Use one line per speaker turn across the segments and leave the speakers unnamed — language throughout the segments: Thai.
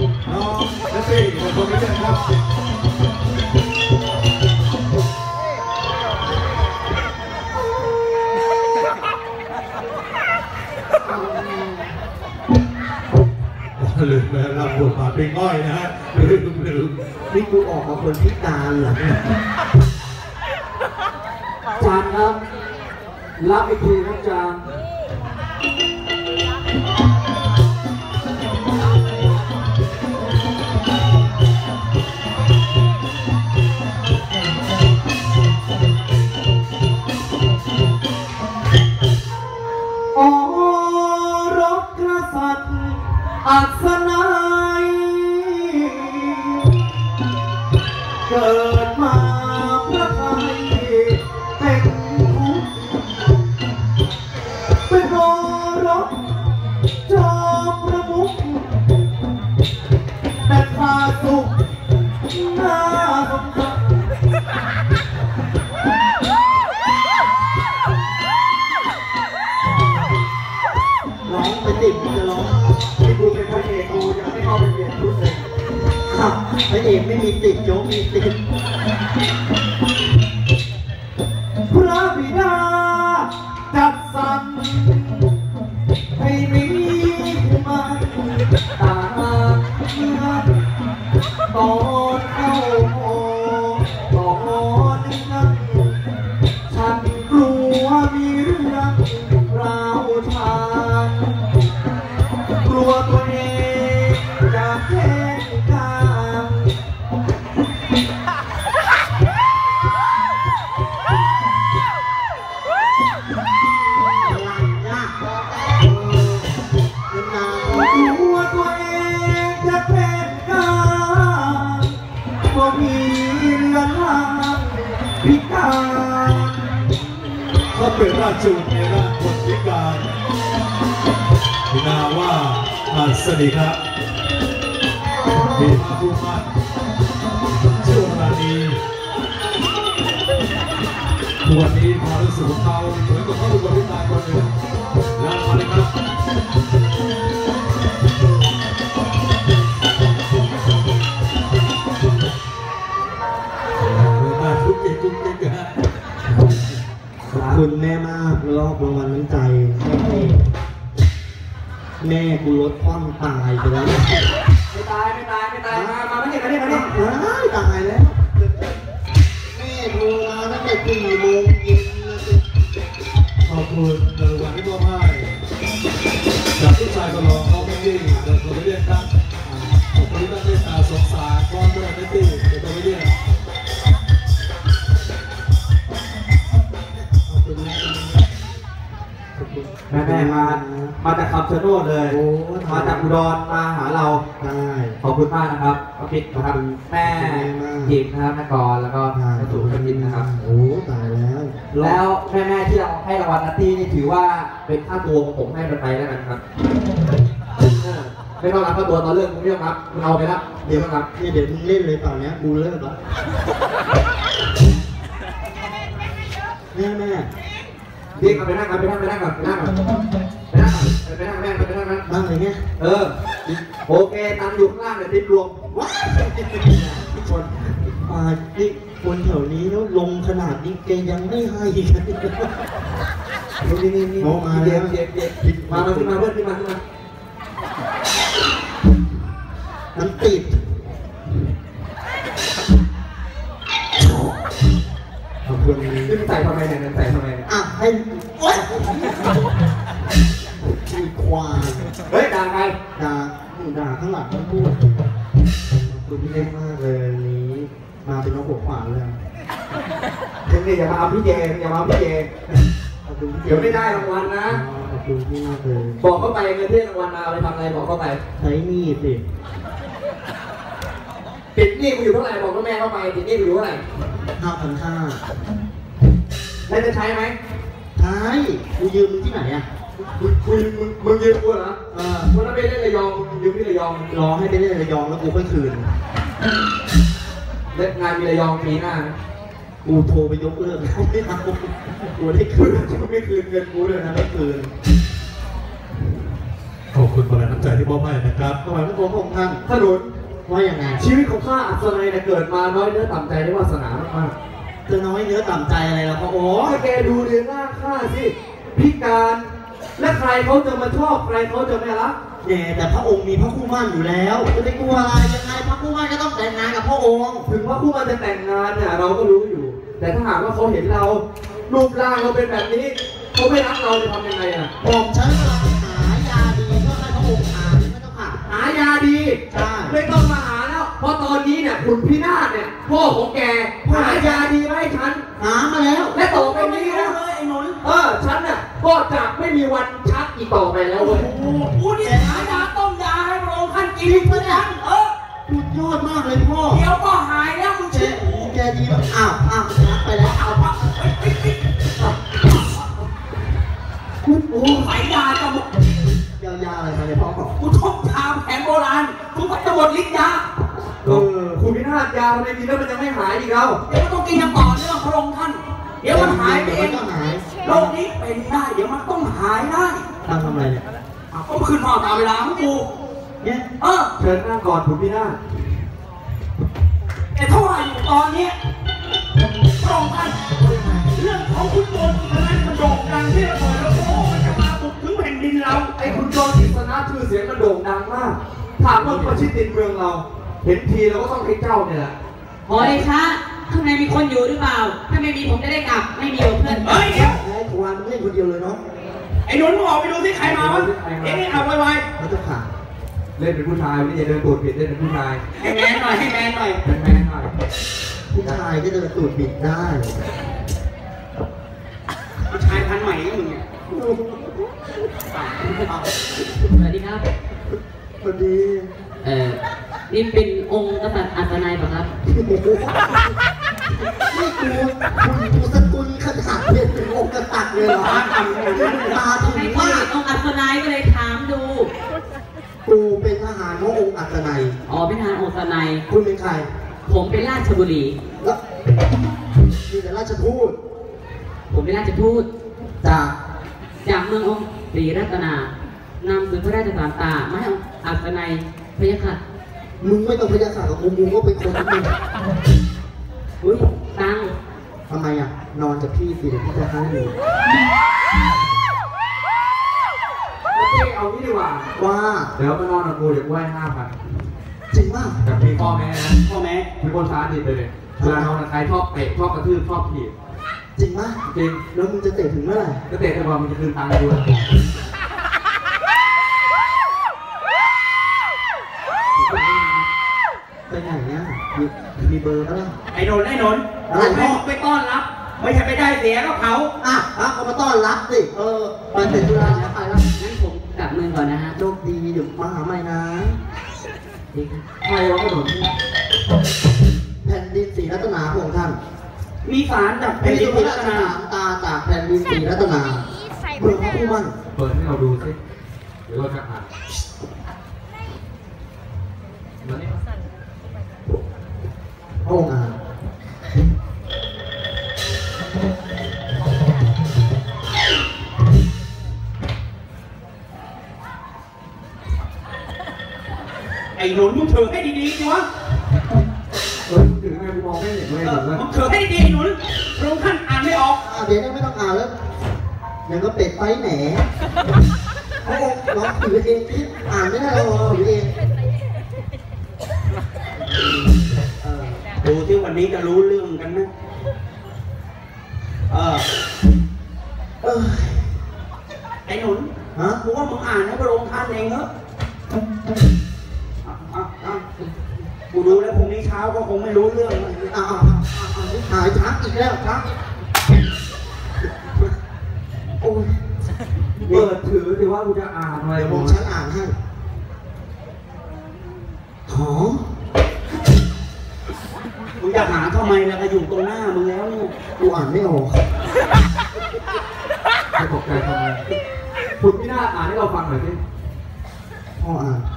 น้องนักเตะของคนนี้ครับลืมไปรับบทบาทเป็นง่อยนะฮะลืม
นี่กูออกมาคนพิการเหรอจานครับรับอีกทีครับจานโอ้รบกษัตริย์อัศนัยเกิดมาพระไทยเป็นทุกข์เป็นโอรสจอมประมุขแต่ข้าสุขน่าสงสารร้องไปติดจะร้องที่กูเป็นพระเอกกูยังไม่เข้าไปเปลี่ยนชุดเลยพระเอกไม่มีติดโจ๊กมีติดพระบิดาจัดสรรให้มีมาตาเมื่อตอนเข้าตอนนั้นฉันกลัวมีเรื่องราวทางกลัวตัวเองจะแพ้กางตัวเองจะเป็นกาก็มีเรือนร่างพิการ
เขาเป็นราชบุตรในร่างคนพิการมีนามว่าอัศนีครับมีพระผู้มั่นชื่อราณีวันนี้พอรู้สึกของเขาเหมือนกับเขาเป็นคนพิการคนหนึ่งแล้วมาเลยครับ
ขอบคุณแม่มากรอบรางวัลน้ำใจแม่กูลดความตายไปแล้วไม่ตายมาไม่ได้ตายแล้วแม่โทรมาตั้งแต่4 โมงเย็น
ขอบคุณในวันที่มอบให้จากผู้ชายคนรองเขาไม่ดิ้งเดินตัวไม่เรียกครับขอบคุณที่ตั้งใจตาสงสารก้อนด้วยไม่ดิ้งเดินตัวไม่เรียก
แม่มาจากคำชะโนดเลยมาจากอุดรมาหาเราขอบคุณมากนะครับพี่นะครับแม่ยิมนะครับแม่กรแล้วก็แม่สุขจินนะครับโอ้ตายแล้วแม่ที่เราให้รางวัลนัตตี้นี่ถือว่าเป็นค่าตัวของผมให้ไปแล้วกันครับไม่ต้องรับค่าตัวตอนเลิกมึงไม่ต้องรับมึงเอาไปแล้วเดี๋ยวครับนี่เดี๋ยวมึงเล่นเลยตอนนี้กูเลิกแล้วแม่เรียกไปนั่งก่อนนั่งเลยเนี่ยโอเคตังอยู่ข้างล่างเดี๋ยวติดรวมว้าวคนนี่คนแถวนี้แล้วลงขนาดนี้แกยังไม่ให้นี่มาแล้วมาขึ้นมาเพื่อนขึ้นมามันติดขอบคุณขึ้นใส่ทำไมเนี่ยใส่ทำไมอ่ะให้ขี้ควายเฮ้ยด่าใครด่าข้างหลังมันพูดคุณพี่เล่นมากเลยนี้มาเป็นน้องหัวขวานเลยเดี๋ยวอย่ามาเอาพี่เจเดี๋ยวไม่ได้รางวัลนะขอบคุณพี่มากเลยบอกเข้าไปเงินที่รางวัลมาเอาไปทำอะไรบอกเข้าไปใช้หนี้สิติดหนี้กูอยู่เท่าไหร่บอกกับแม่เข้าไปติดหนี้กูอยู่เท่าไหร่5,500แล้วจะใช้ไหมใช้กูยืมมึงที่ไหนอ่ะมึงยืมกูเหรอวันนั้นไปเล่นระยองยืมที่ระยองรอให้ไปเล่นระยองแล้วกูค่อยคืนเล่นงานมีระยองปีหน้ากูโทรไปยกเลิกเขาไม่เอากูได้คืนเขาไม่คืนเงินกูเลยนะไม่คืน
ขอบคุคุณบรรณน้ำใจที่มอบให้นะครับ
ถวายพระโคมของท่านถนนว่าอย่างไงชีวิตของข้าอัศนัยเนี่ยเกิดมาน้อยเนื้อต่ำใจได้วาสนามากๆจะน้อยเนื้อต่ำใจอะไรล่ะพ่อโอ้แกดูเรียนร่างข้าสิพิการและใครเขาจะมาชอบใครเขาจะไม่รักแต่พระองค์มีพระคู่มั่นอยู่แล้วจะไปกลัวอะไรยังไงพระคู่มั่นก็ต้องแต่งงานกับพระองค์ถึงพระคู่มั่นจะแต่งงานเนี่ยเราก็รู้อยู่แต่ถ้าหากว่าเขาเห็นเรารูปร่างเราเป็นแบบนี้เขาไม่รักเราจะทำยังไงอ่ะผมฉันหายาดีก็ให้พระองค์หาไม่ต้องหายาดีใช่ไม่ต้องมาหาแล้วเพราะตอนนี้เนี่ยขุนพินาศเนี่ยพ่อของแกหายาดีมาให้ฉันหามาแล้วและต่อไปนี้นะไอ้หนุนฉันเนี่ยก็จะไม่มีวันชักอีกต่อไปแล้วเว้ยกูนี่หายาต้มยาให้พระองค์ท่านกินทุกวันสุดยอดมากเลยพ่อเดี๋ยวก็หายแล้วมึงเชื่อแกดีมากอ้าวชักไปแล้วโอ้ใส่ยาจะหมดยาอะไรมาเนี่ยพ่อกูท่องยาแผนโบราณกูก็จะหมดฤทธิ์ยาคุณพินาศยาทำไมกินแล้วมันยังไม่หายอีกแล้วเดี๋ยวมันต้องกินอย่างต่อเนื่องพระองค์ท่านเดี๋ยวมันหายไปเองโรคนี้เป็นได้เดี๋ยวมันต้องหายได้ทำอะไรเนี่ยก็คืนพ่อตามเวลาของกูเนี่ยเชิญนั่งก่อนคุณพินาศแต่เท่าไหร่อยู่ตอนนี้พระองค์ท่านเรื่องของคุณโจรกิษณะมันโด่งดังที่ระเบิดแล้วโอ้มันจะมาบุกถึงแผ่นดินเราไอ้คุณโจรกิษณะชื่อเสียงมันโด่งดังมากถามว่าประชิดติดเมืองเราเห็นทีเราก็ต้องให้เจ้าเนี่ยแหละ
พอเลยคะข้างในมีคนอยู่หรือเปล่าถ้าไม่มีผมจะได้กลับไม่มีเพื่อน
เฮ้ยเดี๋ยวไอ้ควานเล่นคนเดียวเลยเนาะไอ้หนุนมึงออกไปดูที่ใครมาวะนี่เอาไวๆมันจะขาดเล่นเป็นผู้ชายไม่ใช่เดินตูดบิดเล่นเป็นผู้ชาย
ให้แมนหน่อยให้แมนหน่อย
แมนหน่อยผู้ชายก็เดินตูดบิดได้
ผู้ชายพันใหม่ก็มึงเนี่ยสวัสดีครับ
สวัสดี
นี่เป็นองค์กษัตริย์อัศนัยป่ะครับ
นี่กูสกุลขนาดเป็นองค์กษัตริย์เลยเหรอมาถึงว่า
องค์อัศนัยก็เลยถามดู
กูเป็นทหารขององค์อัศนัย
เป็นทหารองค์อัศนัย
คุณเป็นใคร
ผมเป็นราชบุรี
แล้วมีแต่ราชทูต
ผมเป็นราชทูตจากเมืององค์ศรีรัตนานำสื่อพระราชสารตามาให้อัศนัยพยาค่ะ
มึงไม่ต้องพยาค่ะกับมึงก็เป็นคนที่
อุ้ยตัง
ทำไมอ่ะนอนกับพี่สิเดี๋ยวพี่จะให้ดูโอเคเอางี้ดีกว่าเดี๋ยวมานอนกับกูเดี๋ยวกูให้5,000จริงป่ะ
แต่
มีพ่อแม่นะ
พ่อแม่
เป็นคนช้าดิบเลยเวลานอนกับใครชอบเตะชอบกระทืบชอบถีบจริงป่ะจริงแล้วมึงจะเตะถึงเมื่อไหร่ก็เตะแต่ว่ามึงจะคืนตังค์กูไปไหนเนี่ยมีเบอร์แล้ว
ไอ้นนอะไรพ่อไปต้อนรับไม่ใช่ไปได้เสียก็เขา
เขามาต้อนรับสิไปเสร็จธุระแล้วไปแล้ว
งั้นผมกลับเมืองก่อนนะฮะ
โชคดีเดี๋ยวมาหาใหม่นะใครวะถนนแผ่นดินศรีรัตนาของท่าน
มีสารจากแผ่นดินศรีรัตนา
ตาจากแผ่นดินศรีรัตนาเปิดพระผู้มั่นเปิดให้เราดูสิเดี๋ยวเราจะอ่านพระองค์อ่าน
ไอ้หนุนมึงถือให้ดีๆสิวะ
ถือไงกูมองไม่เห็นเลย
มึงถือให้ดีๆหนุนพระองค์ท่านอ่านไม่ออก
เดี๋ยวไม่ต้องอ่านแล้วยังก็เป็ดไปแหนพระองค์ร้องถือเองที่อ่านไม่ได้เราถือเอง
ดูที่วันนี้จะรู้เรื่องกันไหมไอ้หนุนกูว่ามึงอ่านให้พระองค์ท่านเองเหรอกูดูแล้วพรุ่งนี้เช้าก็คงไม่รู้เรื่อง
หายชักอีกแล้วชักโอ้ยเปิดถือหรือว่ากูจะอ่านอะไรผมฉันอ่านให้หอม
มึงจะหาทำไมล่ะก็อยู่ตรงหน้ามึงแล้วเนี่ย
กูอ่านไม่ออกไม่ตกใจทำไมคุณพี่นาอ่านให้เราฟังหน่อยสิพ่ออ่าน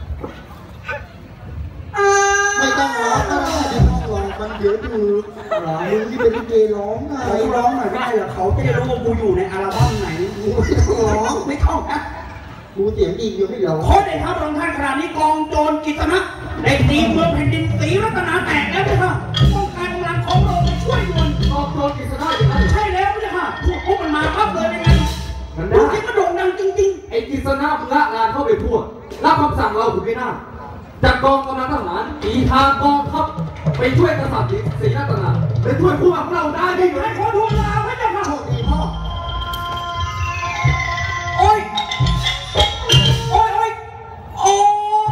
ไม่ต้องร้องก็ได้ไม่ต้องร้องมันเดี๋ยวดูมึงที่เป็นลิเกร้องไง
ร้องหน่อยได้เหรอเขาจะได้รู้ว่ากูอยู่ในอัลบั้มไหน
ไม่ต้องร้อง
ไม่ต้องนะ
กูเสียงดีอยู่ไม่หรอ
ขอได้ครับรองท่านขณะนี้กองโจรกิตนะได้ตีเมืองแผ่นดินศรีรัตนาแตกแล้วค่ะต้องการกำลังของเราไปช่วยด่วน
กองโจรกิษณะอย่างนั้น
ใช่แล้วค่ะพวกมันมาปั๊บเลยยังไง
มัน
ดู
ได้
ที่มันโด่งดังจริง
ไอ้กิษณะมึงละงานเข้าไปทั่วรับคำสั่งเราคุณไม่น่าจัดกองกำลังทหารตีทางกองทัพไปช่วยกษัตริย์ศรีรัตนาไปช่วยผู้ของเราได้
ๆ
ได้
ให้
ไหม
ขอทูลลาพระเจ้าค่ะ
โชคดีพ่อ
โอ้ยโอ้ยโอ้ยโอ้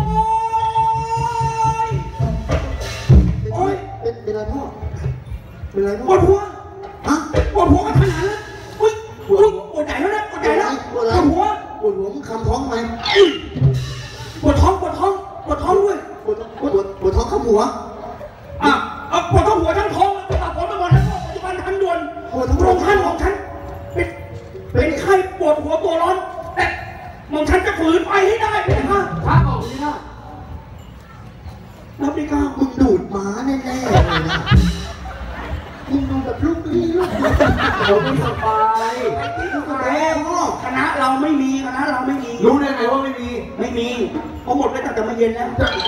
ยโอ้ย
เป็นไรพ่อเป็นไร
ป
พ่อ
วดหัว
ฮะ
ปวดหัวกันขนาดนั้นอุ้ยอุ้ยปวดใหญ่แล้วนะปวดใหญ่แล้วปวดหัว
ปวดหัวมึงคำท้องไหม
ปวดท้องปวดท้องปวดท้องด้วย
ปวดท้องคำหัว
อ่ะปวดท้องหัวทั้งท้องแล้วก็ปวดทั้งหมดแล้วก็ปัจจุบันทันด่วน
ปวดทั้ง
โรงท่านของฉันเป็นไข้ปวดหัวตัวร้อนแต่หม่อมฉันจะฝืนไปให้ได้ไหมคะ
ช้าออกนี่นะ
รับดีก้า
มึงดูดหมาแน่ๆเลยนะมึงดูแบบลูกนี่ลูกเราไม่สบายลูกแม่พ่อ
คณะเราไม่มีคณะเราไม่มี
รู้ได้ไงว่าไม่มี
ไม่มีเพราะหมดไปตั้งแต่เมื่อเย็นแล้ว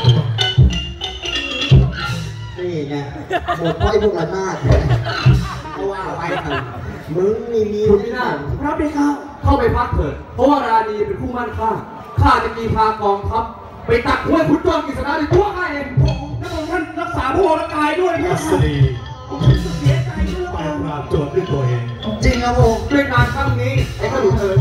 นี่ไงหมดเพราะไอ้พวกระนาดเพราะว่าไปเถอะมึงนี่มีคุณพี่นาถ
รับดีก้า
เข้าไปพักเถิดเพราะว่าราณีเป็นผู้มั่นข้าข้าจะกีพากองทัพไปตักห้วยขุนโจรกฤษณะในตัวข้าเอง
แล้วท่านรักษาพระวรกายด้วย
อั
นะ
ศนี
เสียใจด้วย
ไปปราบโจรด้วยตัวเอง
จริงครับผมด้วยงานครั้งนี้ไอ้ขนุนเอ๋ย